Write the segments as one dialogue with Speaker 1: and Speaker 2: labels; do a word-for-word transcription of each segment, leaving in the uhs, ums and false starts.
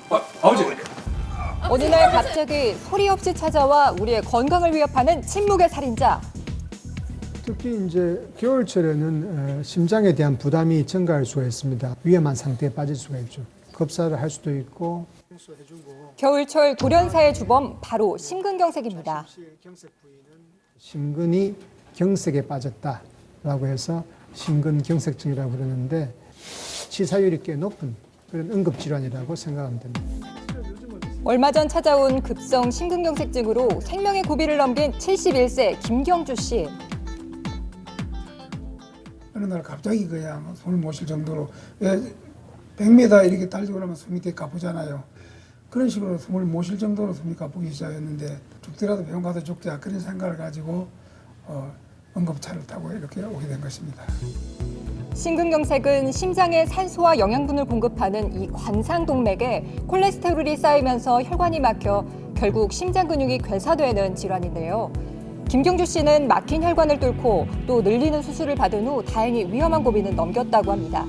Speaker 1: 아, 아버지.
Speaker 2: 어느 날 갑자기 소리 없이 찾아와 우리의 건강을 위협하는 침묵의 살인자.
Speaker 3: 특히 이제 겨울철에는 어, 심장에 대한 부담이 증가할 수가 있습니다. 위험한 상태에 빠질 수가 있죠. 급사를 할 수도 있고.
Speaker 2: 겨울철 돌연사의 주범 바로 심근경색입니다.
Speaker 3: 심근이 경색에 빠졌다라고 해서 심근경색증이라고 그러는데 치사율이 꽤 높은 그런 응급질환이라고 생각하면 됩니다.
Speaker 2: 얼마 전 찾아온 급성 심근경색증으로 생명의 고비를 넘긴 칠십일 세 김경주 씨.
Speaker 4: 어느 날 갑자기 그냥 숨을 못 쉴 정도로 왜 백 미터 이렇게 달리고 나면 숨이 되게 가쁘잖아요. 그런 식으로 숨을 못 쉴 정도로 숨이 가쁘기 시작했는데 죽더라도 병원 가서 죽자 그런 생각을 가지고 어, 응급차를 타고 이렇게 오게 된 것입니다.
Speaker 2: 심근경색은 심장에 산소와 영양분을 공급하는 이 관상동맥에 콜레스테롤이 쌓이면서 혈관이 막혀 결국 심장 근육이 괴사되는 질환인데요. 김경주 씨는 막힌 혈관을 뚫고 또 늘리는 수술을 받은 후 다행히 위험한 고비는 넘겼다고 합니다.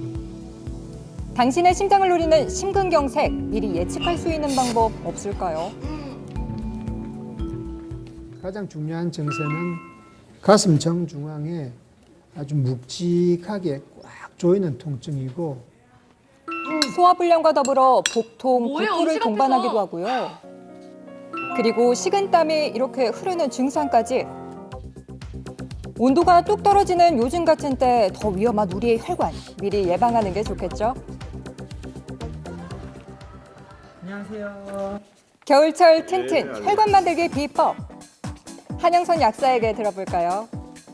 Speaker 2: 당신의 심장을 노리는 심근경색, 미리 예측할 수 있는 방법 없을까요?
Speaker 3: 가장 중요한 증세는 가슴 정중앙에 아주 묵직하게 꽉 조이는 통증이고
Speaker 2: 소화불량과 더불어 복통,
Speaker 5: 뭐예요?
Speaker 2: 구토를
Speaker 5: 음식
Speaker 2: 동반하기도
Speaker 5: 앞에서.
Speaker 2: 하고요. 그리고 식은땀이 이렇게 흐르는 증상까지. 온도가 뚝 떨어지는 요즘 같은 때 더 위험한 우리의 혈관, 미리 예방하는 게 좋겠죠?
Speaker 6: 안녕하세요.
Speaker 2: 겨울철 튼튼 혈관 만들기 비법. 한영선 약사에게 들어볼까요?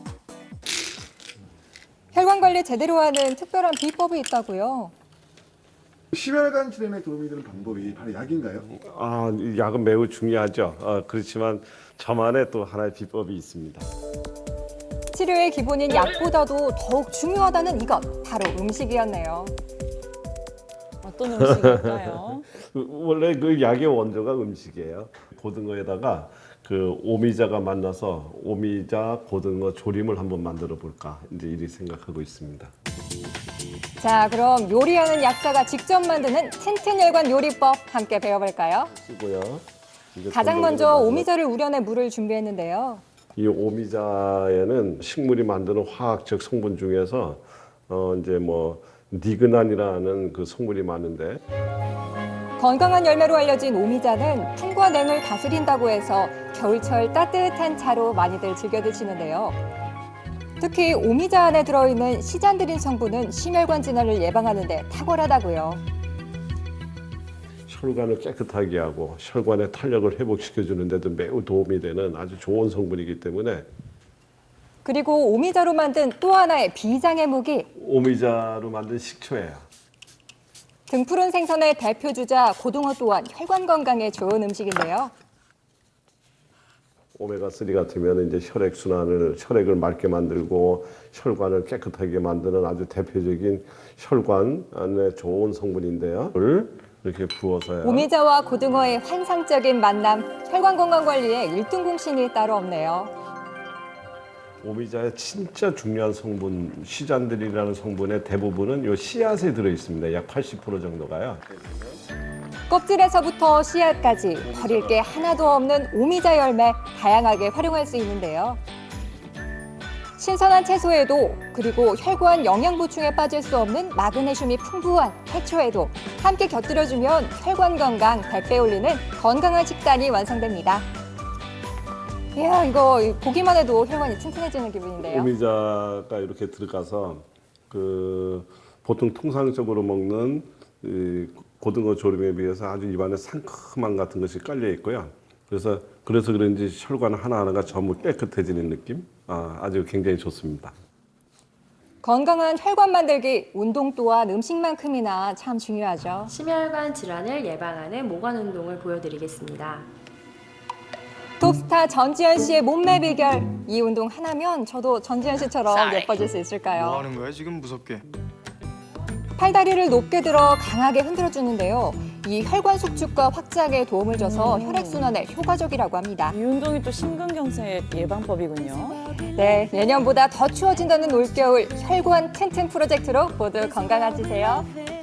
Speaker 2: 혈관 관리 제대로 하는 특별한 비법이 있다고요.
Speaker 7: 심혈관 질환에 도움이 되는 방법이 바로 약인가요?
Speaker 8: 아, 이 약은 매우 중요하죠. 어, 그렇지만 저만의 또 하나의 비법이 있습니다.
Speaker 2: 치료의 기본인 약보다도 더욱 중요하다는 이것, 바로 음식이었네요.
Speaker 5: 어떤 음식일까요?
Speaker 8: 그, 원래 그 약의 원조가 음식이에요. 고등어에다가 그 오미자가 만나서 오미자 고등어 조림을 한번 만들어 볼까 이제 이리 생각하고 있습니다.
Speaker 2: 자, 그럼 요리하는 약사가 직접 만드는 튼튼 혈관 요리법 함께 배워볼까요?
Speaker 8: 쓰고요. 이제
Speaker 2: 가장 먼저
Speaker 8: 건더기를
Speaker 2: 오미자를 우려내 물을 준비했는데요.
Speaker 8: 이 오미자에는 식물이 만드는 화학적 성분 중에서 어 이제 뭐 니그난이라는 그 성분이 많은데
Speaker 2: 건강한 열매로 알려진 오미자는 풍과 냉을 다스린다고 해서 겨울철 따뜻한 차로 많이들 즐겨 드시는데요. 특히 오미자 안에 들어있는 시잔드린 성분은 심혈관 질환을 예방하는 데 탁월하다고요.
Speaker 8: 혈관을 깨끗하게 하고 혈관의 탄력을 회복시켜주는 데도 매우 도움이 되는 아주 좋은 성분이기 때문에
Speaker 2: 그리고 오미자로 만든 또 하나의 비장의 무기,
Speaker 8: 오미자로 만든 식초예요.
Speaker 2: 등푸른 생선의 대표 주자 고등어 또한 혈관 건강에 좋은 음식인데요.
Speaker 8: 오메가삼 같으면 이제 혈액 순환을 혈액을 맑게 만들고 혈관을 깨끗하게 만드는 아주 대표적인 혈관 안에 좋은 성분인데요. 을 이렇게 부어서요.
Speaker 2: 오미자와 고등어의 환상적인 만남, 혈관 건강 관리에 일 등 공신이 따로 없네요.
Speaker 8: 오미자의 진짜 중요한 성분 시잔들이라는 성분의 대부분은 요 씨앗에 들어 있습니다. 약 팔십 퍼센트 정도가요.
Speaker 2: 껍질에서부터 씨앗까지 버릴 게 하나도 없는 오미자 열매 다양하게 활용할 수 있는데요. 신선한 채소에도 그리고 혈관 영양 보충에 빠질 수 없는 마그네슘이 풍부한 해초에도 함께 곁들여주면 혈관 건강 백 배 올리는 건강한 식단이 완성됩니다. 이야, 이거 보기만 해도 혈관이 튼튼해지는 기분인데요.
Speaker 8: 오미자가 이렇게 들어가서 그 보통 통상적으로 먹는 이 고등어 조림에 비해서 아주 입안에 상큼함 같은 것이 깔려 있고요. 그래서 그래서 그런지 혈관 하나하나가 전부 깨끗해지는 느낌, 아, 아주 굉장히 좋습니다.
Speaker 2: 건강한 혈관 만들기, 운동 또한 음식만큼이나 참 중요하죠.
Speaker 9: 심혈관 질환을 예방하는 모관 운동을 보여드리겠습니다.
Speaker 2: 톱스타 전지현 씨의 몸매 비결, 이 운동 하나면 저도 전지현 씨처럼 예뻐질 수 있을까요?
Speaker 1: 뭐 하는 거야 지금 무섭게?
Speaker 2: 팔다리를 높게 들어 강하게 흔들어주는데요. 이 혈관 수축과 확장에 도움을 줘서 혈액순환에 효과적이라고 합니다.
Speaker 5: 이 운동이 또 심근경색 예방법이군요.
Speaker 2: 네, 예년보다 더 추워진다는 올겨울 혈관 튼튼 프로젝트로 모두 건강해지세요.